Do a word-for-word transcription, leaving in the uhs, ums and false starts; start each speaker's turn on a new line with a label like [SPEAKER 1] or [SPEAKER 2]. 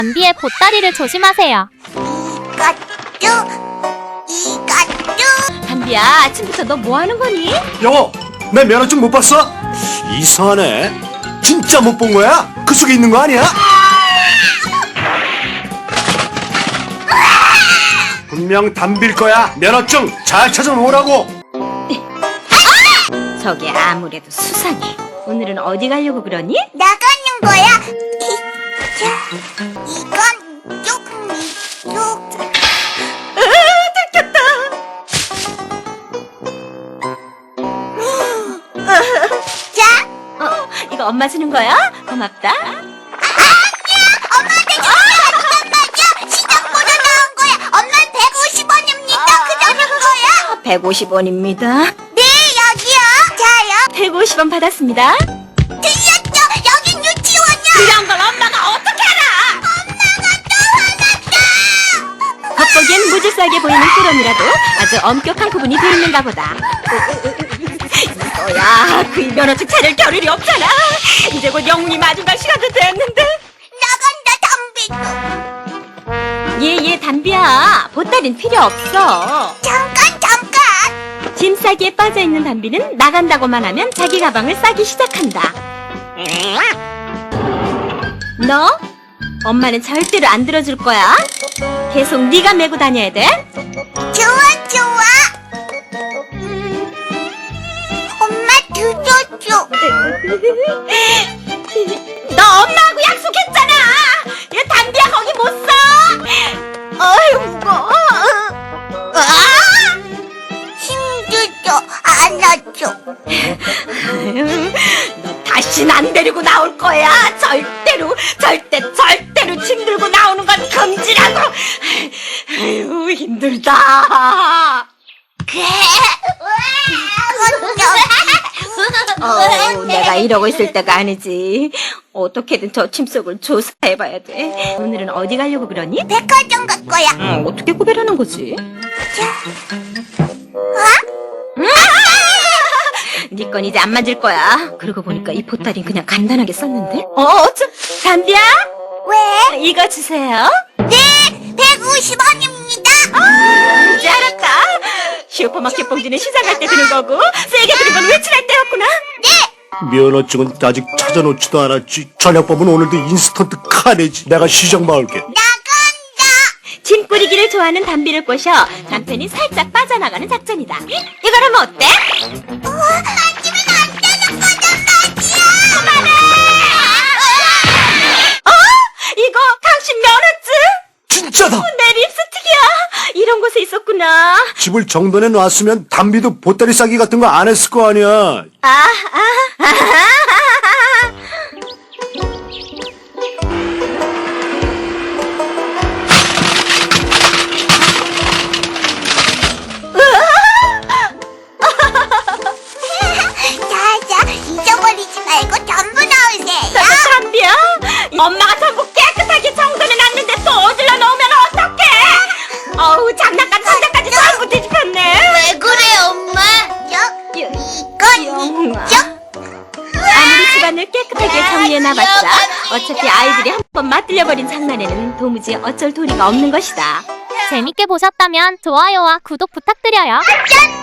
[SPEAKER 1] 담비의 보따리를 조심하세요.
[SPEAKER 2] 이것도 이것도.
[SPEAKER 3] 담비야, 아침부터 너 뭐 하는 거니?
[SPEAKER 4] 여보, 내 면허증 못 봤어? 이상하네. 진짜 못 본 거야? 그 속에 있는 거 아니야? 분명 담빌 거야. 면허증 잘 찾아놓으라고.
[SPEAKER 3] 저게 아무래도 수상해. 오늘은 어디 가려고 그러니?
[SPEAKER 2] 나가는 거야. 자, 이건 조금 이쪽.
[SPEAKER 3] 들켰다.
[SPEAKER 2] 자,
[SPEAKER 3] 어, 이거 엄마 주는 거야? 고맙다.
[SPEAKER 2] 엄마한테 줘. 잠깐만요. 시장보로 나온 거야. 엄만 백오십 원입니다. 그 정도 거야.
[SPEAKER 3] 백오십 원입니다.
[SPEAKER 2] 네, 여기요. 자요.
[SPEAKER 3] 백오십 원 받았습니다.
[SPEAKER 2] 들렸죠? 여긴 유치원이야.
[SPEAKER 3] 이런 걸 엄마가 어떻게 알아? 겉보기엔 무질서하게 보이는 꾸러미라도 아주 엄격한 구분이 돼 있는가 보다. 너야, 그 면허증 차릴 겨를이 없잖아. 이제 곧 영웅이 마중 갈 시간도 됐는데.
[SPEAKER 2] 나간다, 담비도.
[SPEAKER 3] 얘, 얘, 담비야. 보따린 필요 없어.
[SPEAKER 2] 잠깐, 잠깐.
[SPEAKER 3] 짐 싸기에 빠져있는 담비는 나간다고만 하면 자기 가방을 싸기 시작한다. 너? 엄마는 절대로 안 들어줄 거야. 계속 네가 메고 다녀야 돼.
[SPEAKER 2] 좋아, 좋아. 음, 엄마 들어줘.
[SPEAKER 3] 너 엄마하고 약속했잖아. 얘 담비야 거기 못 써. 어이 무거워. 아!
[SPEAKER 2] 힘들어. 안아줘.
[SPEAKER 3] 너 다신 안 데리고 나올 거야. 절대로, 절대, 절대로 짐 들고 나오는 건 금지라고. 아유, 힘들다.
[SPEAKER 2] 그래.
[SPEAKER 3] 어, 내가 이러고 있을 때가 아니지. 어떻게든 저 짐 속을 조사해봐야 돼. 오늘은 어디 가려고 그러니?
[SPEAKER 2] 백화점 갈 거야.
[SPEAKER 3] 어, 어떻게 구별하는 거지? 네 건 이제 안 만질 거야. 그러고 보니까 이 보따리는 그냥 간단하게 썼는데. 어, 어쩜? 담비야?
[SPEAKER 2] 왜?
[SPEAKER 3] 이거 주세요.
[SPEAKER 2] 네, 백오십 원입니다.
[SPEAKER 3] 아, 이제 알았다. 슈퍼마켓 봉지는 시장 갈 때 드는 거고, 세게 드는 건 외출할 때였구나.
[SPEAKER 2] 네.
[SPEAKER 4] 면허증은 아직 찾아놓지도 않았지. 저녁밥은 오늘도 인스턴트 카레지. 내가 시장 봐올게.
[SPEAKER 2] 나간다.
[SPEAKER 3] 짐 꾸리기를 좋아하는 담비를 꼬셔 남편이 살짝 빠져나가는 작전이다. 이걸 하면 어때?
[SPEAKER 2] 우와, 만지면 안 되는 거단 말이야. 그만해.
[SPEAKER 3] 어? 이거 당신 면허증?
[SPEAKER 4] 진짜다.
[SPEAKER 3] 내 립스틱이야. 이런 곳에 있었구나.
[SPEAKER 4] 집을 정돈해 놨으면 담비도 보따리 싸기 같은 거 안 했을 거 아니야.
[SPEAKER 3] 아, 아, 아.
[SPEAKER 2] 자자, 잊어버리지 말고 전부 넣으세요.
[SPEAKER 3] 담비야? 엄마가 전부 깨끗하게 정돈해 놨는데 또 어질러 놓으면 어떡해? 어우, 장난감 상자까지 전부 뒤집혔네.
[SPEAKER 2] 왜 그래, 엄마? 저, 이건
[SPEAKER 3] 영웅아.
[SPEAKER 2] 이쪽.
[SPEAKER 3] 아무리 집안을 깨끗하게 정리해놔봤자 어차피 아이들이 한 번 맛들려버린 장난에는 도무지 어쩔 도리가 없는 것이다.
[SPEAKER 1] 재밌게 보셨다면 좋아요와 구독 부탁드려요.
[SPEAKER 2] 짠!